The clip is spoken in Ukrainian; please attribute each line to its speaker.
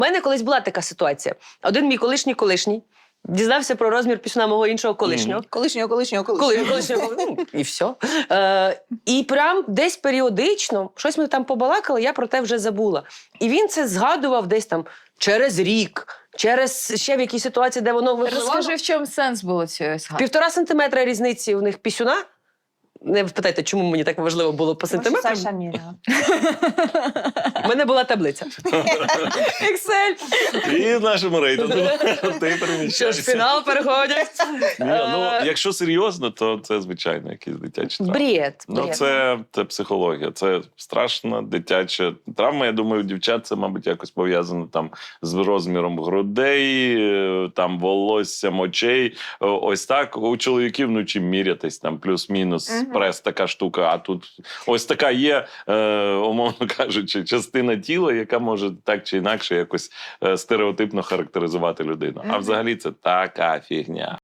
Speaker 1: У мене колись була така ситуація. Один мій колишній дізнався про розмір пісюна мого іншого колишнього. Колишнього. Ну, і все. І прям десь періодично, щось ми там побалакали, я про те вже забула. І він це згадував десь там через рік, через ще в якійсь ситуації, де воно випливало.
Speaker 2: Розкажи, в чому сенс було цієї згадки?
Speaker 1: 1,5 сантиметра різниці у них пісюна. Не питайте, чому мені так важливо було по сантиметрам.
Speaker 3: Саша міряла.
Speaker 1: У мене була таблиця.
Speaker 2: Excel.
Speaker 4: І в нашому рейтингу ти
Speaker 1: Що ж,
Speaker 4: переміщаєшся.
Speaker 1: фінал переходять.
Speaker 4: Ні, ну, якщо серйозно, то це, звичайно, якісь дитячі травми.
Speaker 1: Бред.
Speaker 4: Ну, це психологія, це страшна дитяча травма. Я думаю, у дівчат це, мабуть, якось пов'язано там з розміром грудей, там волоссям, очей. Ось так. У чоловіків, ну, чим мірятись, там плюс-мінус прес, така штука, а тут ось така є, умовно кажучи, частина тіла, яка може так чи інакше якось стереотипно характеризувати людину. А взагалі це така фігня.